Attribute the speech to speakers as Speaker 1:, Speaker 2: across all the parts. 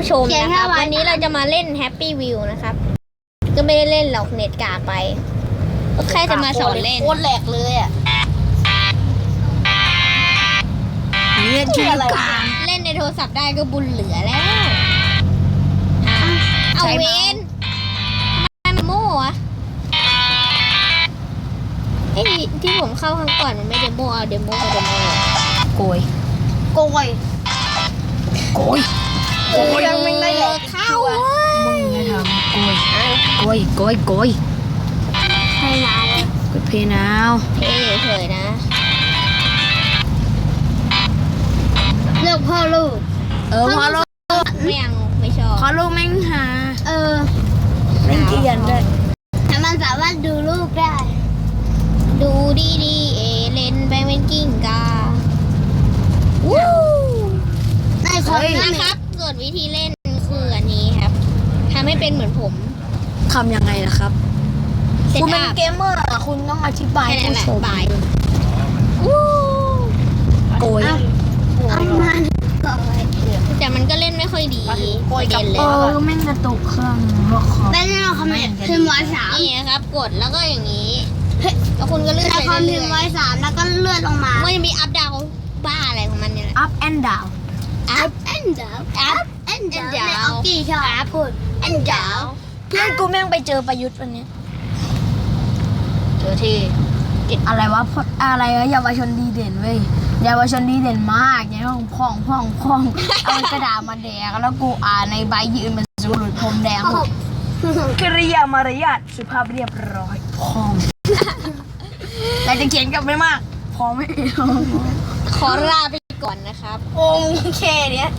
Speaker 1: ผู้ชมนะครับวันนี้เราจะมาเล่น Happy Wheel นะครับ ก็ไม่ได้เล่นหรอกเน็ตกากไปก็แค่จะมาสอนเล่น
Speaker 2: โคตรแหลกเลยอ่ะ
Speaker 3: เล่นชื่อกลาง
Speaker 1: เล่นในโทรศัพท์ได้ก็บุญเหลือแล้วเอาเวนทำไมมันโม่อะไอ้ที่ผมเข้าครั้งก่อนมันไม่เดโมเอาเดโมมาเดโม
Speaker 3: โกย
Speaker 2: โกย
Speaker 3: โกยโกย
Speaker 2: ยังไม่ได้แหลก
Speaker 1: เข้า
Speaker 3: มึงไม่ทำโกยโกยโกยโกย
Speaker 2: ให้นาน
Speaker 3: กดเพย์นาว
Speaker 1: เท่เฉยๆนะ
Speaker 2: เลือกพ่อลูก
Speaker 3: พอลูก
Speaker 1: ไม่ยังไม่ชอบ
Speaker 3: พอลูกแม่งหา
Speaker 2: เ
Speaker 3: เล่นเกียนด้วย
Speaker 2: แต่มันสามารถดูลูกได้
Speaker 1: ดูดีๆเล่นไปเป็นกิ้งกาวู้
Speaker 2: ในคอม
Speaker 1: นะครับส่วนวิธีเล่นคืออันนี้ครับทำให้เป็นเหมือนผม
Speaker 3: ทำยังไงล่ะครับ
Speaker 1: เซต
Speaker 3: คุณเป็น
Speaker 1: อัพ
Speaker 3: เกมเมอร์อะคุณต้องอธิบาย
Speaker 1: แค่นั้นแหละ
Speaker 3: ผู้ชม
Speaker 1: บายวู้
Speaker 3: โกย
Speaker 2: เอามันก่อน
Speaker 1: แต่มันก็เล่นไม่ค่อยดีประเด็นเลย
Speaker 3: แม่งกระตุกเครื่องหัวคอม
Speaker 2: เป็นเราคอมเมนต์พิมพ์ไว้สาม
Speaker 1: นี่นะครับกดแล้วก็อย่างนี้แล้วคุณก็เลื่อน
Speaker 2: เรา
Speaker 1: ไป
Speaker 2: คอมพิ
Speaker 1: เรื่
Speaker 2: ม
Speaker 1: อย
Speaker 2: พ์ไว้สามแล้วก็เลื่อนลงมา
Speaker 1: ๆมันจะมีอัพดาวบ้าอะไรของมันเนี่ยแหละ
Speaker 3: up and down
Speaker 1: อัพ
Speaker 2: แอนเดอร์
Speaker 1: อัพ
Speaker 2: แอนเดอร์
Speaker 1: ดาว
Speaker 2: ในออกกี้ชอบพูดแอนเดอร์
Speaker 3: เพื่อนกูแม่งไปเจอประยุทธ์วันนี้
Speaker 1: เจอที่
Speaker 3: อะไรวะอะไรวะเยาวชนดีเด่นเว้ยเยาวชนดีเด่นมากเนี่ยพ่องเอากระดาษมาแดกแล้วกูอ่านในใบยืนเป็นสูรุดพรมแดงหมดกริยามารยาทสุภาพเรียบร้อยพ่องเราจะเขียนกลับไม่มากพอไม่เอา
Speaker 1: ขอลาไปก่อนนะครับ
Speaker 3: องแค่เนี้ย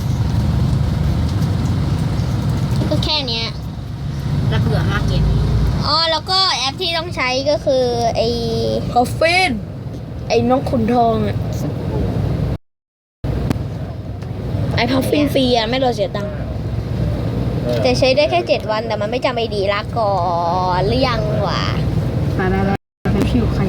Speaker 1: ก็แค่เนี้ย
Speaker 3: แล้วเผื่อมากเก็บ
Speaker 1: อ๋อแล้วก็แอปที่ต้องใช้ก็คือไอ้
Speaker 3: กาแฟนไอ้นกขุนทองอ่ะไอ้พัฟฟินฟรีอ่ะไม่รอเสียตังค์
Speaker 1: แต่ใช้ได้แค่7 วันแต่มันไม่จำไอดีลาก่อนหรือยังวะ
Speaker 3: ไปผิวใคร